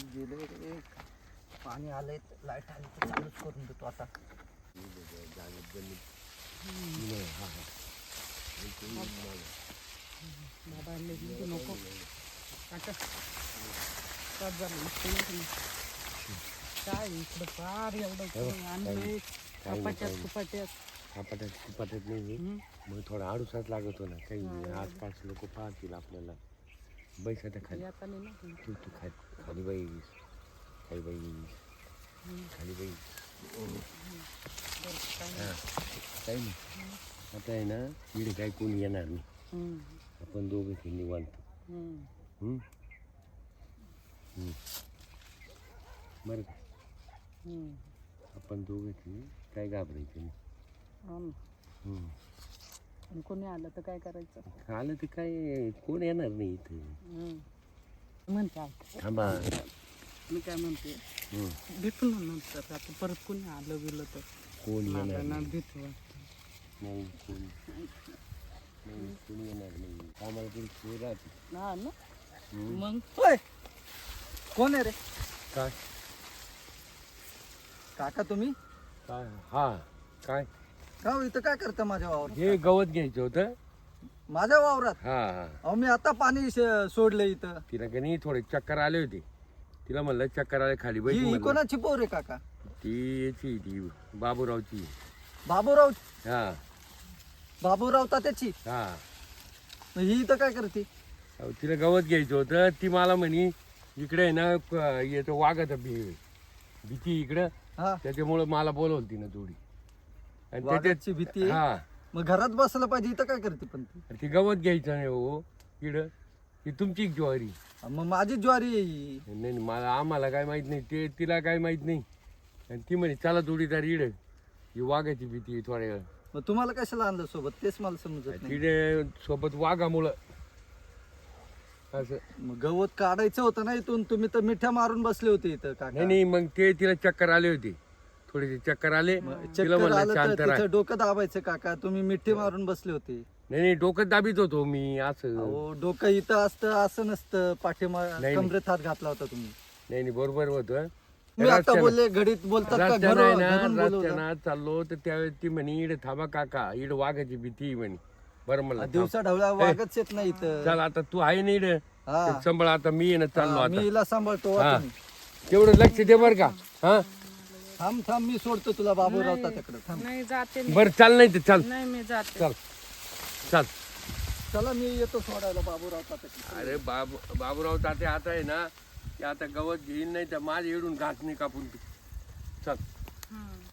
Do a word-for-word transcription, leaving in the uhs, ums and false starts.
गेले रे. पाणी आलंय, लाईट आली तर चालूच करून देतो आता. नको काय इकडं फार एवढं आणलंय कपाट्यात कुपाट्यात कपाट्यात कुपाट्यात नाही मग थोडा आडूसाच लागत हो ना काही आसपास लोक पाहतील आपल्याला. बैस आता खाली आता नाही ना तू तू खाली खाली बैस खाली बैस खाली बैस हां काही नाही आता आहे ना इकडे काही कोणी येणार नाही. आपण दोघं ते निवांत बरं का. आपण दोघं ते काय घाबरायचं नाही. कोणी आलं तर काय करायचं. आलं तर काय कोण येणार नाही इथं. म्हणते थांबा मी काय म्हणते भेटू ना नंतर आता परत कोणी आलं गेलं तर कोण येणार ना नाही. भीती वाटते. नाही कोणी नाही कोणी येणार नाही. आम्हाला तरी सोय राहते. हा ना मग होय, कोण आहे रे? काय काका तुम्ही? काय हा काय का हो, इथं काय करता माझ्या वावरात? हे गवत घ्यायचं होतं. माझ्या वावरात? हा हा अहो मी आता पाणी श- सोडलं इथं. तिला का नाही थोडे चक्कर आले होते. तिला म्हणलं चक्कर आले खाली बैठ ही म्हणलं. कोणाची पोर आहे काका? ती याची ती बाबूरावची. बाबूराव? हा बाबूराव तात्याची? हा मग ही इथं काय करते? अहो, तिला गवत घ्यायचं होतं. ती मला म्हणी इकडे आहे ना क- येतो वाघाचा भी भीती इकडं हा, त्याच्यामुळं मला बोलवलं तिनं थोडी. आणि वाघाची भीती आहे? हा मग घरात बसलं पाहिजे, इथं काय करते पण ती? ती गवत घ्यायचं नाही हो इकडं. ही तुमची ज्वारी. मग माझी ज्वारी आहे ही. नाही नाही, मला आम्हाला काय माहित नाही ते तिला काय माहित नाही. आणि ती म्हणे चला जोडीदार इड ही वाघाची भीती आहे थोड्या वेळ. मग तुम्हाला कशाला आणलं सोबत तेच मला समजत नाही. तिथे सोबत वाघामुळं असं. मग गवत काढायचं होतं ना इथून, तुम्ही तर मिठ्या मारून बसले होते इथं नाही काका. नाही मग ते तिला चक्कर आले होते. थोडेसे चक्कर आले. तिला चक्कर म्हणलं आलं शांत तर राहा. तिथं डोकं दाबायचं काका, तुम्ही मिठी मारून बसले होते. नाही नाही डोकं दाबीत होतो मी असं. अहो डोकं इथं असतं असं नसतं, पाठीमा नाही. कमरेत हात घातला होता तुम्ही. नाही नाही बरोबर होतं. मी आता बोलले घडीत बोलतात का? रस्त्यानं घरून- आहे घरून ना बोलवलं. रस्त्यानं चाललो तर त्यावेळेस ती म्हणे इड थांबा काका इड वाघाची भीती आहे म्हणे. बरं म्हणलं दिवसा ढवळ्या वागच येत नाही इथं. चल आता तू आहे ना इड हा. संभळ आता मी येणं चाललो हा, मी आता. हिला सांभाळतो. हा. तुम्ही तेवढं लक्ष दे बर का. हा थांब थांब, मी सोडतो तुला बाबूराव तात्याकडे. थांब. नाही जाते मी. बरं चाल नाही तर चाल नाही मी जाते. चाल चाल. चला मी येतो सोडायला बाबूराव तात्याकडे. अरे बाबू बाबूराव ताते आता आहे ना ते आता गवत घेईन नाही तर माझ्या इडून घास नाही कापून तू. चल